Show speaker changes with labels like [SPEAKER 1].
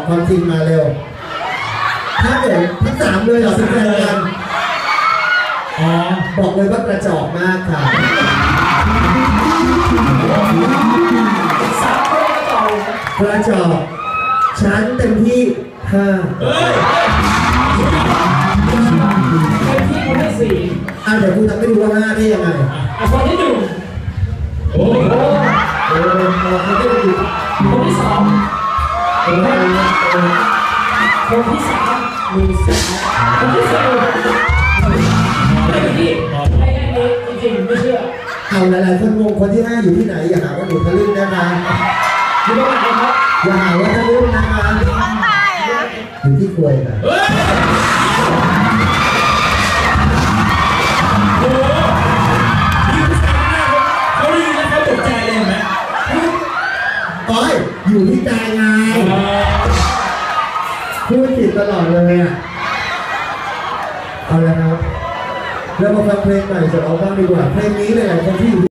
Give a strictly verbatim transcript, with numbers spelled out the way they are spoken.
[SPEAKER 1] ความจริงมาเร็วถ้าเกิดทั้งสามเลยเหรอสิบแปดกันอ๋อบอกเลยว่ากระจอกมากค่ะ
[SPEAKER 2] สามคนกระจอก
[SPEAKER 1] กระจอกฉันเต็มที่ห้า
[SPEAKER 2] เฮ้ยเต็มที่คนที่สี่
[SPEAKER 1] อ่ะเดี๋ยวคุณทำให้ดูว่าห้าได้ยังไง
[SPEAKER 2] อ่ะคนที่หนึ่งโอ้โห
[SPEAKER 1] โอ้โหคนที่ดู
[SPEAKER 2] คนที่สองคนที่สามมีสามคนที่สี่ไม่ที่ไม่แค่นี้จริงๆไม่เชื่อ
[SPEAKER 1] เอาหลายๆคนงงคนที่ห้าอยู่ที่ไหนอย่าหาว่าหนูทะลึ่งนะคะ
[SPEAKER 2] อยู่ตรงไหนครับ
[SPEAKER 1] อย่าหาว่าทะลึ่งนะคะอยู่ที่ควยนะ
[SPEAKER 2] โอ้โหยิ่งสามหน้าเขาได้ยินแล้วเขาตกใจเลยเห็นไหม
[SPEAKER 1] โอ้ยอยู่ที่ใจไงพูดผิดตลอดเลยอ่ะเอาละครับเรามาฟังเพลงใหม่จากเราบ้างดีกว่าเพลงนี้เลยคนที่อยู่